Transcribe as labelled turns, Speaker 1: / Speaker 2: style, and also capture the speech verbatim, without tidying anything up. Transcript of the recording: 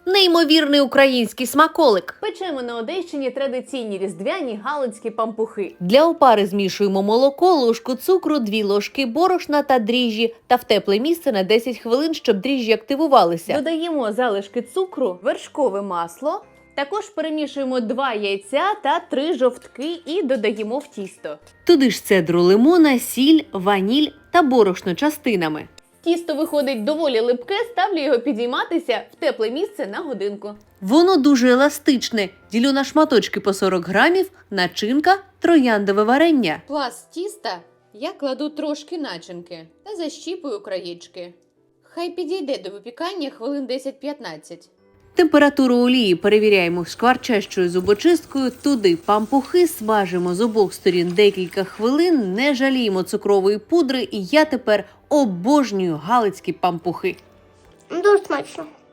Speaker 1: Неймовірний український смаколик.
Speaker 2: Печемо на Одещині традиційні різдвяні галицькі пампухи.
Speaker 1: Для опари змішуємо молоко, ложку цукру, дві ложки борошна та дріжджі та в тепле місце на десять хвилин, щоб дріжджі активувалися.
Speaker 2: Додаємо залишки цукру, вершкове масло. Також перемішуємо два яйця та три жовтки і додаємо в тісто.
Speaker 1: Туди ж цедру лимона, сіль, ваніль та борошно частинами.
Speaker 2: Тісто виходить доволі липке, ставлю його підійматися в тепле місце на годинку.
Speaker 1: Воно дуже еластичне. Ділю на шматочки по сорок грамів, начинка – трояндове варення.
Speaker 3: Пласт тіста я кладу трошки начинки та защіпую краєчки. Хай підійде до випікання хвилин десять-п'ятнадцять.
Speaker 1: Температуру олії перевіряємо шкварчащою зубочисткою, туди пампухи смажимо з обох сторін декілька хвилин, не жаліємо цукрової пудри, і я тепер обожнюю галицькі пампухи.
Speaker 4: Дуже смачно.